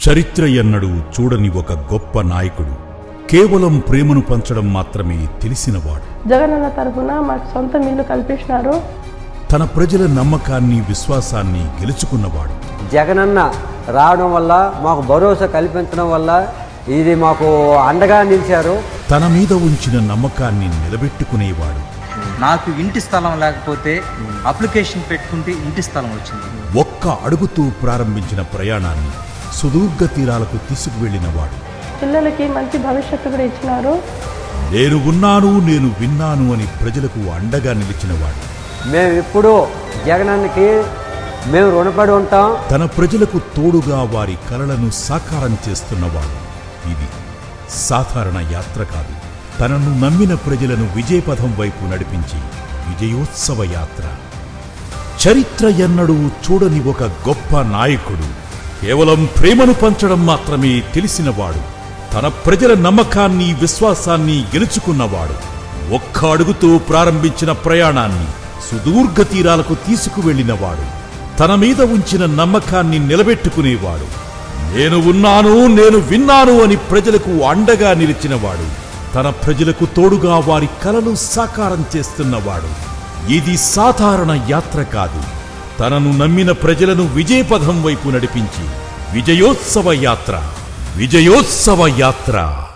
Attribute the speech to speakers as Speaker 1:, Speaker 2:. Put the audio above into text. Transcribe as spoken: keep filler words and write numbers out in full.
Speaker 1: చరిత్ర ఎన్నడూ చూడని ఒక గొప్ప నాయకుడు, కేవలం ప్రేమను పంచడం మాత్రమే తెలిసినవాడు.
Speaker 2: జగనన్న తరఫున మాకు సొంత ఇల్లు కల్పించినారు.
Speaker 1: తన ప్రజల నమ్మకాన్ని విశ్వాసాన్ని గెలుచుకున్నవాడు.
Speaker 3: జగనన్న రావడం వల్ల మాకు భరోసా కల్పించడం వల్ల ఇది మాకు అండగా నిలిచారు.
Speaker 1: తన మీద ఉంచిన నమ్మకాన్ని నిలబెట్టుకునేవాడు.
Speaker 4: నాకు ఇంటి స్థలం లేకపోతే అప్లికేషన్ పెట్టుకుంటే ఇంటి స్థలం వచ్చింది.
Speaker 1: ఒక్క అడుగుతూ ప్రారంభించిన ప్రయాణాన్ని సుదూర్ఘ తీరాలకు తీసుకువెళ్లినవాడు.
Speaker 2: పిల్లలకి మంచి భవిష్యత్తు కూడా ఇచ్చినారు.
Speaker 1: నేను ఉన్నాను, నేను విన్నాను అని ప్రజలకు అండగా నిలిచినవాడు.
Speaker 3: మేము ఇప్పుడు జగనన్నకి మేము రుణపడి ఉంటాం.
Speaker 1: తన ప్రజలకు తోడుగా వారి కలలను సాకారం చేస్తున్నవాడు. ఇది సాధారణ యాత్ర కాదు. తనను నమ్మిన ప్రజలను విజయపథం వైపు నడిపించి విజయోత్సవ యాత్ర. చరిత్ర ఎన్నడూ చూడని ఒక గొప్ప నాయకుడు, కేవలం ప్రేమను పంచడం మాత్రమే తెలిసినవాడు. తన ప్రజల నమ్మకాన్ని విశ్వాసాన్ని గెలుచుకున్నవాడు. ఒక్క అడుగుతో ప్రారంభించిన ప్రయాణాన్ని సుదూర్ఘ తీరాలకు తీసుకువెళ్లినవాడు. తన మీద ఉంచిన నమ్మకాన్ని నిలబెట్టుకునేవాడు. నేను ఉన్నాను, నేను విన్నాను అని ప్రజలకు అండగా నిలిచినవాడు. తన ప్రజలకు తోడుగా వారి కలలు సాకారం చేస్తున్నవాడు. ఇది సాధారణ యాత్ర కాదు. తనను నమ్మిన ప్రజలను విజయపథం వైపు నడిపించి విజయోత్సవ యాత్ర. విజయోత్సవ యాత్ర.